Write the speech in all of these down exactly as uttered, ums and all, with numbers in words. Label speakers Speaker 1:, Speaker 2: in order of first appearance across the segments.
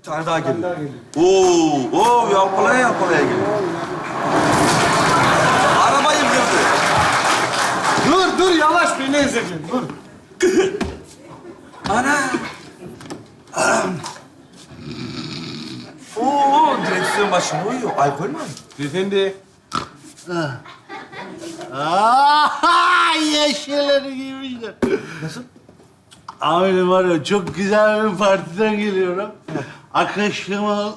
Speaker 1: tane daha geliyor. Oo, oo yapılaya yapılaya geliyor. Arabayı kırdı.
Speaker 2: Dur, dur yavaş beni ezeceksin. Dur.
Speaker 1: Ana. Anam. Oo, direksiyon başında uyuyor. Alkol mü?
Speaker 2: Beyefendi.
Speaker 3: Aa, yeşilleri giymişler.
Speaker 1: Nasıl?
Speaker 3: Amirim var ya, çok güzel bir partiden geliyorum. Arkadaşlarıma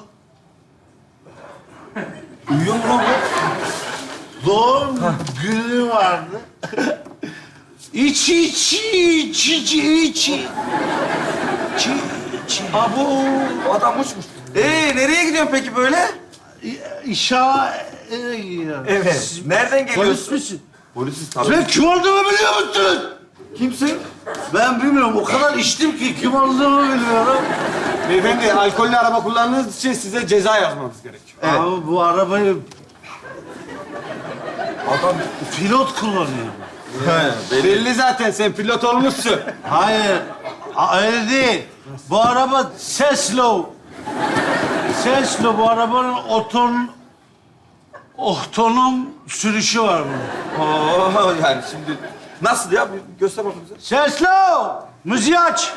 Speaker 1: Uyuyor mu lan bu?
Speaker 3: doğum günü vardı. İç iç iç iç iç iç iç.
Speaker 1: Abo, adam uçmuş. Ee, nereye gidiyorsun peki böyle?
Speaker 3: İnşallah eve gidiyorum.
Speaker 1: Evet. Nereden
Speaker 3: Polis
Speaker 1: geliyorsun?
Speaker 3: misin?
Speaker 1: Polisiz tabii.
Speaker 3: Ben kim olduğumu biliyor musunuz?
Speaker 1: Kimsin?
Speaker 3: Ben bilmiyorum. O kadar içtim ki kim olduğumu bilmiyorum.
Speaker 2: Beyefendi, alkollü araba kullandığınız için size ceza yazmamız gerekiyor.
Speaker 1: Evet.
Speaker 3: Abi bu arabayı
Speaker 1: Adam...
Speaker 3: pilot kullanıyor.
Speaker 1: He, belli.
Speaker 2: Belli zaten, sen pilot olmuşsun.
Speaker 3: Hayır, a- öyle değil. Bu araba seslo. Seslo, bu arabanın oton... otonom sürüşü var bunun.
Speaker 1: Oo, yani şimdi... Nasıl ya? Bir göster bakalım bize.
Speaker 3: Seslo! Müziği aç.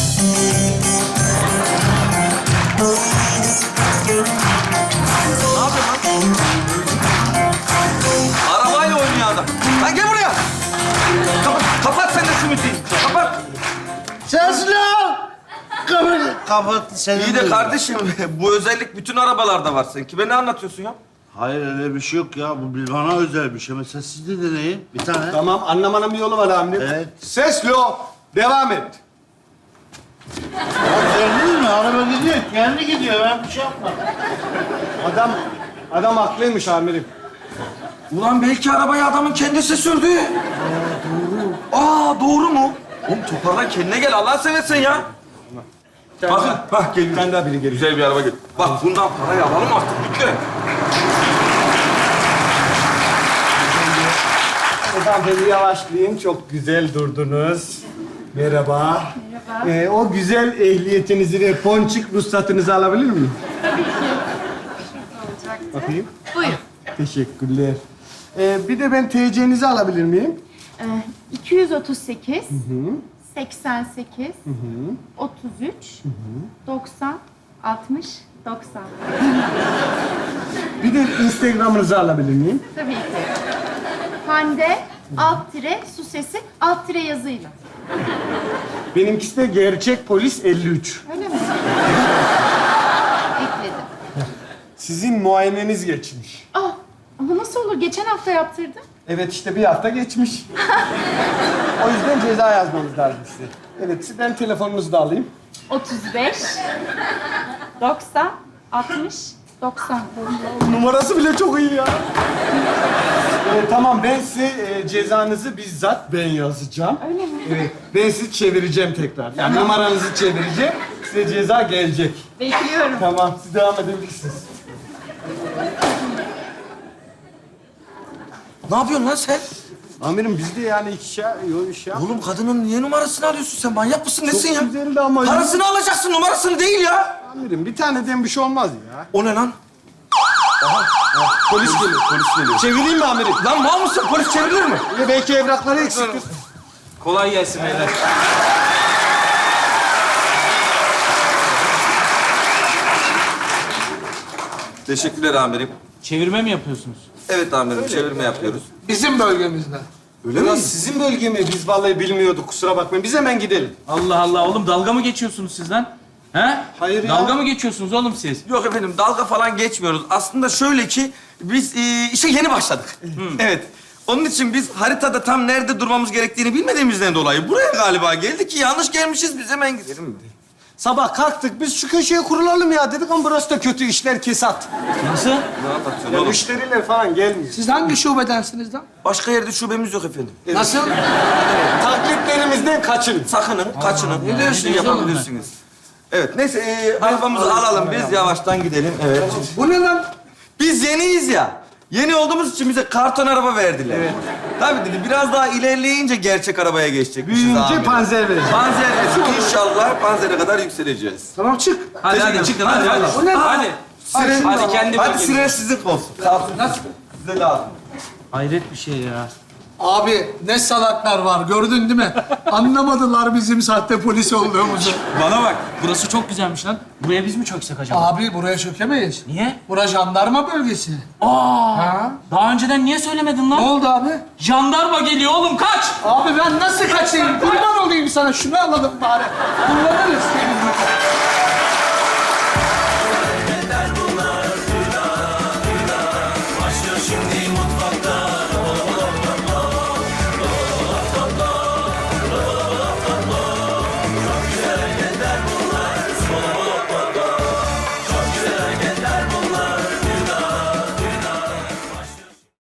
Speaker 1: Ne yapıyorsun lan? Arabayla oynuyor adam. Lan gel buraya. Kapat, kapat sen de şu müziği. Kapat.
Speaker 3: Seslo! Kapat. Kapat. Senin
Speaker 1: İyi de
Speaker 3: de-
Speaker 1: kardeşim, bu özellik bütün arabalarda var. Sen kime ne anlatıyorsun ya?
Speaker 3: Hayır, öyle bir şey yok ya. Bu bir- bana özel bir şey. Mesela siz de deneyin. Bir tane.
Speaker 2: Tamam, anlamanın bir yolu var amirim.
Speaker 3: Evet.
Speaker 2: Seslo, devam et.
Speaker 3: Gördünüz mü? Araba gidiyor. Kendi gidiyor. Ben bir şey yapmadım.
Speaker 2: Adam, adam haklıymış amirim.
Speaker 1: Ulan belki arabayı adamın kendisi sürdü. Aa, doğru. Aa, doğru mu? Oğlum toparlan, kendine gel. Allah seversen ya. Bak, bak geliyor.
Speaker 2: Bir tane daha biri geliyor.
Speaker 1: Güzel bir araba geliyor. Bak bundan parayı alalım artık lütfen.
Speaker 2: Efendim yavaşlayın, çok güzel durdunuz. Merhaba.
Speaker 4: Merhaba.
Speaker 2: Ee, o güzel ehliyetinizi ve ponçik ruhsatınızı alabilir miyim?
Speaker 4: Tabii ki. Şurada olacaktı.
Speaker 2: Bakayım.
Speaker 4: Buyurun.
Speaker 2: Teşekkürler. Ee, bir de ben T C'nizi alabilir miyim?
Speaker 4: Ee, iki yüz otuz sekiz, seksen sekiz, otuz üç, doksan, altmış, doksan.
Speaker 2: Bir de Instagram'ınızı alabilir miyim?
Speaker 4: Tabii ki. Hande, alt tire, su sesi, alt tire yazıyla.
Speaker 2: Benimkisi de gerçek polis elli üç.
Speaker 4: Öyle mi? Ekledim.
Speaker 2: Sizin muayeneniz geçmiş.
Speaker 4: Aa, ama nasıl olur? Geçen hafta yaptırdım.
Speaker 2: Evet işte bir hafta geçmiş. O yüzden ceza yazmamız lazım size. Evet, sizden telefonunuzu da alayım.
Speaker 4: otuz beş, doksan, altmış, doksan.
Speaker 2: Numarası bile çok iyi ya. Ee, tamam, ben size e, cezanızı bizzat ben yazacağım.
Speaker 4: Öyle mi?
Speaker 2: Evet, ben sizi çevireceğim tekrar. Yani numaranızı çevireceğim, size ceza gelecek.
Speaker 4: Bekliyorum.
Speaker 2: Tamam, siz devam edebilirsiniz.
Speaker 1: Ne yapıyorsun lan sen?
Speaker 2: Amirim biz de yani iki şey, yok iş yap.
Speaker 1: Oğlum kadının niye numarasını alıyorsun sen? Manyak mısın nesin ya?
Speaker 2: güzeldi ama-
Speaker 1: Parasını alacaksın, numarasını değil ya.
Speaker 2: Amirim bir taneden bir şey olmaz ya.
Speaker 1: O ne lan?
Speaker 2: Polis geliyor.
Speaker 1: Polis geliyor.
Speaker 2: Çevireyim mi amirim?
Speaker 1: Lan mal mısın? Polis çevrilir mi?
Speaker 2: Ya belki evrakları eksiktir.
Speaker 5: Kolay gelsin beyler.
Speaker 1: Teşekkürler amirim.
Speaker 5: Çevirme mi yapıyorsunuz?
Speaker 1: Evet amirim, çevirme yapıyoruz.
Speaker 2: Bizim bölgemizde.
Speaker 1: Öyle
Speaker 2: Öyle
Speaker 1: mi?
Speaker 2: sizin bölge mi? Biz vallahi bilmiyorduk, kusura bakmayın. Biz hemen gidelim.
Speaker 5: Allah Allah oğlum dalga mı geçiyorsunuz siz lan? He?
Speaker 2: Hayır ya.
Speaker 5: Dalga mı geçiyorsunuz oğlum siz?
Speaker 1: Yok efendim, dalga falan geçmiyoruz. Aslında şöyle ki, biz e, işe yeni başladık. Evet. Onun için biz haritada tam nerede durmamız gerektiğini bilmediğimizden dolayı buraya galiba geldik ki yanlış gelmişiz, biz hemen gidelim.
Speaker 2: Sabah kalktık, biz şu köşeye kurulalım ya dedik ama burası da kötü, işler kesat.
Speaker 5: Nasıl?
Speaker 1: Ne anlatıyorsun
Speaker 2: Ya
Speaker 1: oğlum?
Speaker 2: müşteriler falan gelmiyor.
Speaker 6: Siz hangi şubedensiniz lan?
Speaker 1: Başka yerde şubemiz yok efendim.
Speaker 6: Nasıl?
Speaker 2: Taklitlerimizden kaçının.
Speaker 1: Sakının, kaçının. Ne diyorsun
Speaker 5: diyorsun oğlum
Speaker 1: yapabilirsiniz. Evet, neyse e, arabamızı alalım biz, yavaştan gidelim. Evet.
Speaker 6: Bu ne lan?
Speaker 1: Biz yeniyiz ya. Yeni olduğumuz için bize karton araba verdiler.
Speaker 2: Evet.
Speaker 1: Tabii dedi, biraz daha ilerleyince gerçek arabaya geçecekmişiz
Speaker 2: Büyüyünce
Speaker 1: amirim.
Speaker 2: panzer vereceğim.
Speaker 1: Panzer vereceğiz. İnşallah panzere kadar yükseleceğiz.
Speaker 2: Tamam çık.
Speaker 5: Hadi hadi
Speaker 1: Teşekkür
Speaker 5: çıkın hadi hadi.
Speaker 2: O ne?
Speaker 5: Hadi.
Speaker 1: Siren,
Speaker 5: Hadi kendi
Speaker 1: hadi
Speaker 5: bölgenize.
Speaker 1: siren sizin olsun. Kalsın. Size lazım.
Speaker 5: Hayret bir şey ya.
Speaker 6: Abi ne salaklar var gördün değil mi? Anlamadılar bizim sahte polis olduğumuzu.
Speaker 5: Bana bak. Burası çok güzelmiş lan. Buraya biz mi çöksek acaba?
Speaker 6: Abi buraya çökemeyiz.
Speaker 5: Niye?
Speaker 6: Bura jandarma bölgesi.
Speaker 5: Aa.
Speaker 6: Ha?
Speaker 5: Daha önceden niye söylemedin
Speaker 6: Ne
Speaker 5: lan?
Speaker 6: oldu abi?
Speaker 5: Jandarma geliyor oğlum kaç.
Speaker 6: Abi ben nasıl kaçayım? Kurban olayım sana. Şunu alalım bari. Kullanırız.